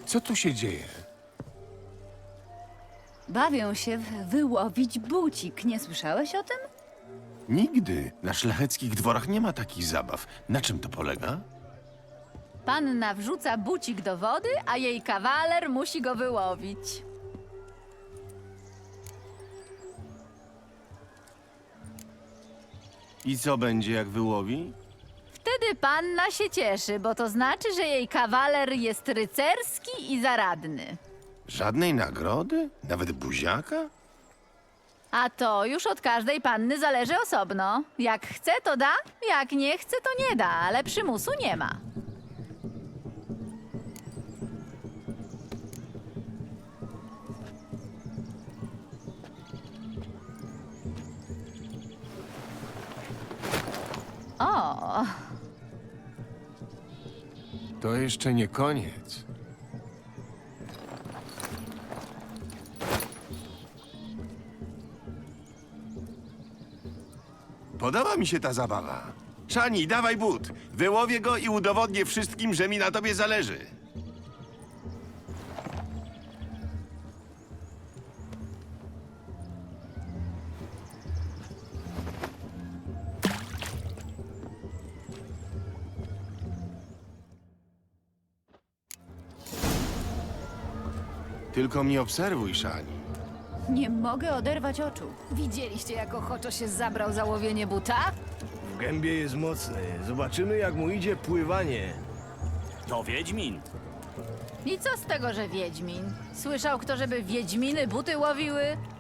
Co tu się dzieje? Bawią się wyłowić bucik. Nie słyszałeś o tym? Nigdy. Na szlacheckich dworach nie ma takich zabaw. Na czym to polega? Panna wrzuca bucik do wody, a jej kawaler musi go wyłowić. I co będzie, jak wyłowi? Wtedy panna się cieszy, bo to znaczy, że jej kawaler jest rycerski i zaradny. Żadnej nagrody? Nawet buziaka? A to już od każdej panny zależy osobno. Jak chce, to da, jak nie chce, to nie da, ale przymusu nie ma. O, To jeszcze nie koniec. Podoba mi się ta zabawa. Szani, dawaj but. Wyłowię go i udowodnię wszystkim, że mi na tobie zależy. Tylko mnie obserwuj, Szani. nie mogę oderwać oczu. Widzieliście, jak ochoczo się zabrał za łowienie buta? W gębie jest mocny. Zobaczymy, jak mu idzie pływanie. To Wiedźmin. I co z tego, że wiedźmin? Słyszał kto, żeby wiedźminy buty łowiły?